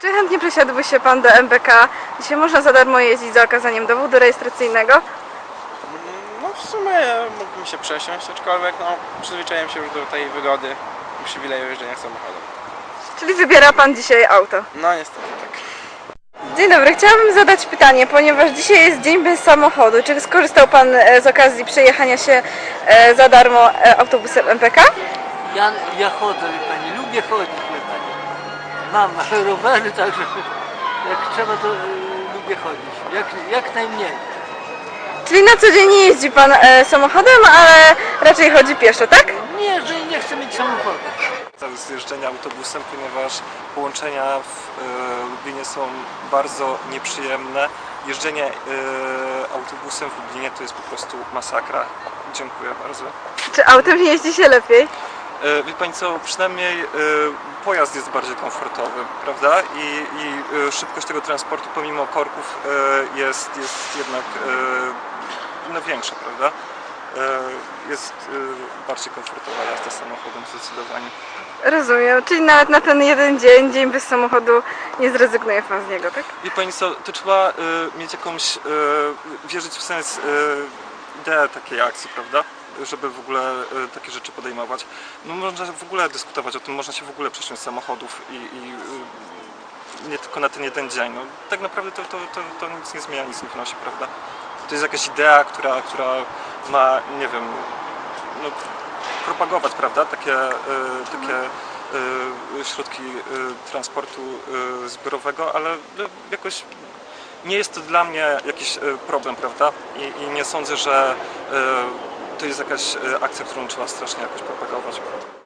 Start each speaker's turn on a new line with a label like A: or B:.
A: Czy chętnie przesiadłby się Pan do MPK? Dzisiaj można za darmo jeździć za okazaniem dowodu rejestracyjnego.
B: No w sumie mógłbym się przesiąść, aczkolwiek no, przyzwyczaiłem się już do tej wygody i przywileju jeżdżenia samochodem.
A: Czyli wybiera Pan dzisiaj auto.
B: No niestety tak.
A: Dzień dobry, chciałabym zadać pytanie, ponieważ dzisiaj jest dzień bez samochodu. Czy skorzystał Pan z okazji przejechania się za darmo autobusem MPK?
C: Ja chodzę, wie pani, lubię chodzić, wie pani. Mam rowery, także jak trzeba, to lubię chodzić. Jak najmniej.
A: Czyli na co dzień nie jeździ Pan samochodem, ale raczej chodzi pieszo, tak?
C: Nie, że nie chcę mieć samochodu.
D: Z jeżdżenia autobusem, ponieważ połączenia w Lublinie są bardzo nieprzyjemne. Jeżdżenie autobusem w Lublinie to jest po prostu masakra. Dziękuję bardzo.
A: Czy autem jeździ się lepiej?
D: Wie Pani co, przynajmniej pojazd jest bardziej komfortowy, prawda? I szybkość tego transportu pomimo korków jest jednak no, większa, prawda? Jest bardziej komfortowa jazda samochodem zdecydowanie.
A: Rozumiem, czyli nawet na ten jeden dzień bez samochodu nie zrezygnuje Pan z niego, tak?
D: Wie Pani co, to trzeba mieć jakąś, wierzyć w sens, ideę takiej akcji, prawda? Żeby w ogóle takie rzeczy podejmować. No można w ogóle dyskutować o tym, można się w ogóle przesiąść z samochodów i nie tylko na ten jeden dzień. No, tak naprawdę to nic nie zmienia, nic nie wnosi, prawda? To jest jakaś idea, która ma, nie wiem, no, propagować, prawda? Takie środki transportu zbiorowego, ale jakoś nie jest to dla mnie jakiś problem, prawda? I nie sądzę, że to jest jakaś akcja, którą trzeba strasznie jakoś propagować.